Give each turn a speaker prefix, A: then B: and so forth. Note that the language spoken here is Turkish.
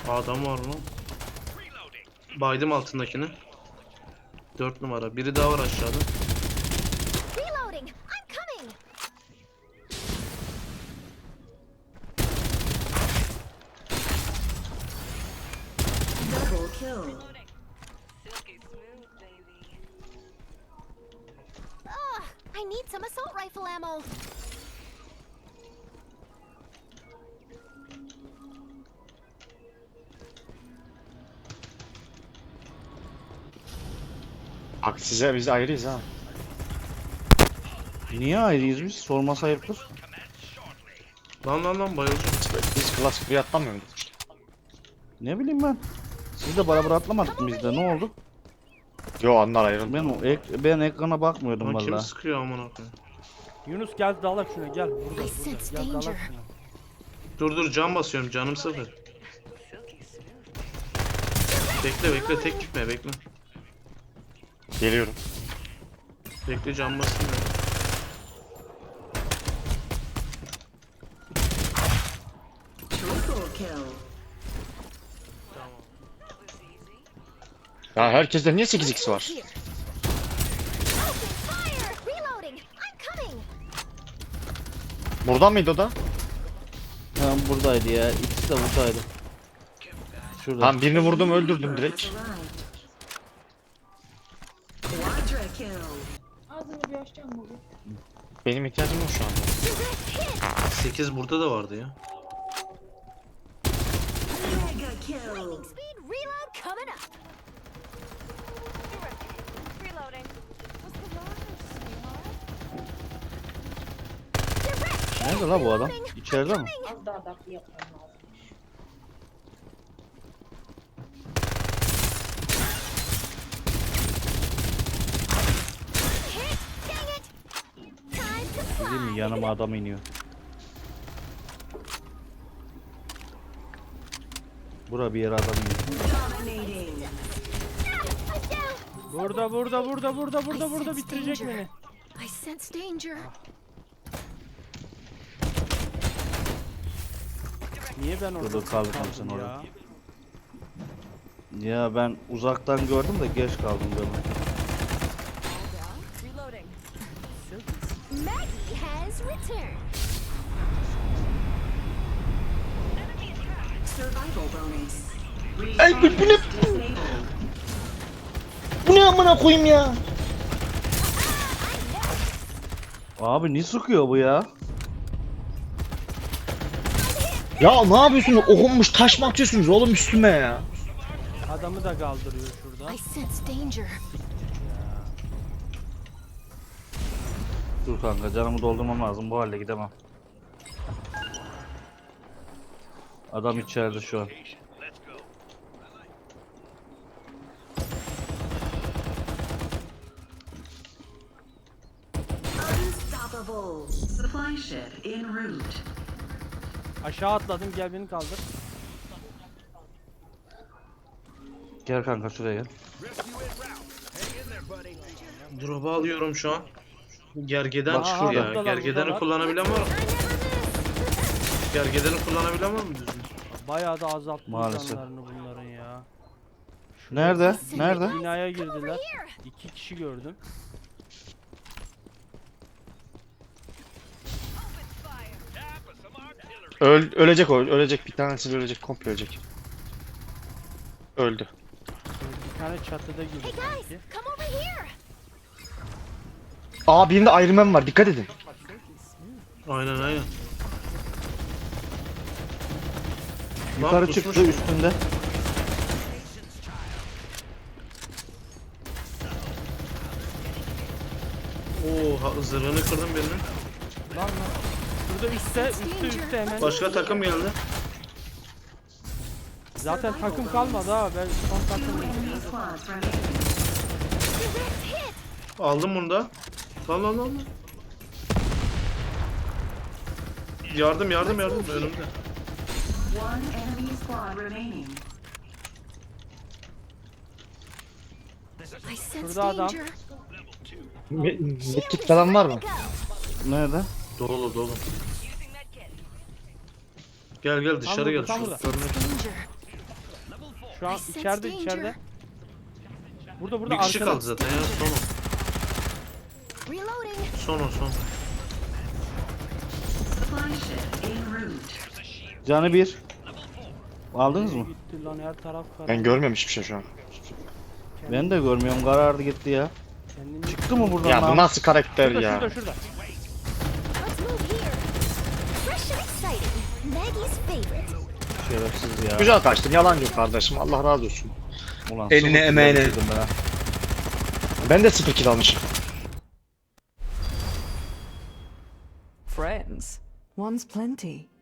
A: Adam var mı? Baydım altındakini. 4 numara. Biri daha var aşağıda.
B: Reloading. I'm coming.
C: Double kill.
B: Ugh, I need some assault rifle ammo.
D: Bak size biz ayrıyız ha.
E: Niye ayrıyız biz? Sorması ayıptır.
A: Lan bayılacağım.
D: Biz klas buraya atlamıyor muyduk?
E: Ne bileyim ben. Siz de beraber atlamadık mı biz de? Ne oldu?
D: Yo onlar ayrıldı.
E: Ben ekrana bakmıyordum
A: Lan kim
E: vallahi.
A: sıkıyor amına koyayım?
F: Yunus gel dalak şuna gel. Burada
B: I sense
F: gel dalak
B: danger.
F: şuna.
A: Dur can basıyorum, canım sıfır. Bekle tek gitme bekle.
D: Geliyorum.
A: Bekle can basayım ya.
C: Triple kill.
D: Ya herkeste niye 8x var?
B: Here. Open fire. Reloading. I'm coming.
D: Buradan mıydı o da?
E: Tamam buradaydı ya. İkisi de buradaydı. Şurada.
D: Tamam birini vurdum öldürdüm direkt.
C: Has arrived. Quadra kill.
G: Ağzını bir açacağım bugün.
D: Benim ihtiyacım yok şu anda.
B: Direct hit.
A: 8 burada da vardı ya.
C: Mega kill.
B: Lightning speed. Reload coming up. Reloading. Direct hit.
E: Nerede la bu adam?
B: Reloading.
E: İçeride mi?
G: Az daha adapte yapmam lazım.
B: Hit. Dang it. Time to
E: Değil mi?
B: fly.
E: Yanıma adam iniyor. Bura bir yere adam iniyor.
C: Dominating.
B: I'm down.
F: Burada bitirecek beni.
B: I sense danger.
F: Niye ben orada
E: Dur, kaldım
F: kaldım
E: sen
F: ya?
E: orada. Ya ben uzaktan gördüm de geç kaldım böyle.
B: Maggie has returned.
C: Survival bonus.
D: Ay bu ne?
C: Disabled.
D: Bu ne amına koyayım ya?
E: Abi ne sıkıyor bu ya?
D: Ya ne yapıyorsunuz? Okunmuş taş mı atıyorsunuz oğlum üstüme ya?
F: Adamı da kaldırıyor şurada.
B: I sense danger.
E: Dur kanka canımı doldurmam lazım, bu halde gidemem. Adam içeride şu an.
C: Unstoppable. Supply ship en route.
F: Aşağı atladım gel beni kaldır.
E: Gel kanka şuraya gel.
A: Drop'u alıyorum şu an. Gergeden
E: Bak
A: çıkıyor
E: şurada.
A: ya.
F: Buradalar,
A: Gergedeni
F: buradalar.
A: kullanabilen var mı? Gergedeni kullanabilen var mı düzgün?
F: Bayağı da azalttım
E: Maalesef.
F: canlarını bunların ya.
E: Nerede? Nerede?
F: Binaya
B: Over
F: girdiler.
B: here.
F: 2 kişi gördüm.
D: Ölecek o, ölecek. Bir tanesi ölecek, komple ölecek. Öldü.
F: Bir tane çatıda girdi
B: Hey guys,
F: sanki.
B: come over here.
D: Aa birinde Iron Man var, dikkat edin.
A: Aynen. Lan
E: Yukarı
A: pusmuş.
E: çıktı üstünde.
A: Oo zırhını kırdım birinin.
F: Lan. Şurada üstte hemen.
A: Başka takım geldi.
F: Zaten takım kalmadı ha. Ben son takım.
C: Enemy squads remaining.
B: Direct hit.
A: Aldım bunu da. Lan. Yardım önümde.
C: One enemy squad remaining.
B: I sense
F: Şurada adam.
B: danger.
D: Medkit falan var mı?
E: Nerede?
A: Dolu. Gel dışarı
F: burada,
A: gel.
F: tam
A: Şu
F: burada.
A: sorunu-
B: Danger.
F: Şu an
B: I sense
F: içeride
B: danger.
F: içeride. Burada
A: Bir kişi
F: arkada.
A: kaldı zaten ya. Son o.
B: Reloading.
A: Son o son.
C: Supply ship en route.
E: Canı bir. Aldınız mı?
F: Gitti lan her taraf karar.
D: Ben görmüyorum hiçbir şey şu an.
E: Ben de görmüyorum. Karardı gitti ya.
F: Kendini...
E: Çıktı mı buradan
D: Ya bu
E: lan?
D: nasıl karakter
F: Şurada,
D: ya?
F: şurada şurada.
B: Let's move here. Fresh and exciting. Maggie's favorite.
E: Şerefsiz ya.
D: Güzel kaçtın yalancı kardeşim Allah razı olsun.
E: Ulan,
D: Eline,
E: sıfır
D: emeğine.
E: kill ben ha.
D: Ben de 0 kill almışım.
H: Friends. One's plenty.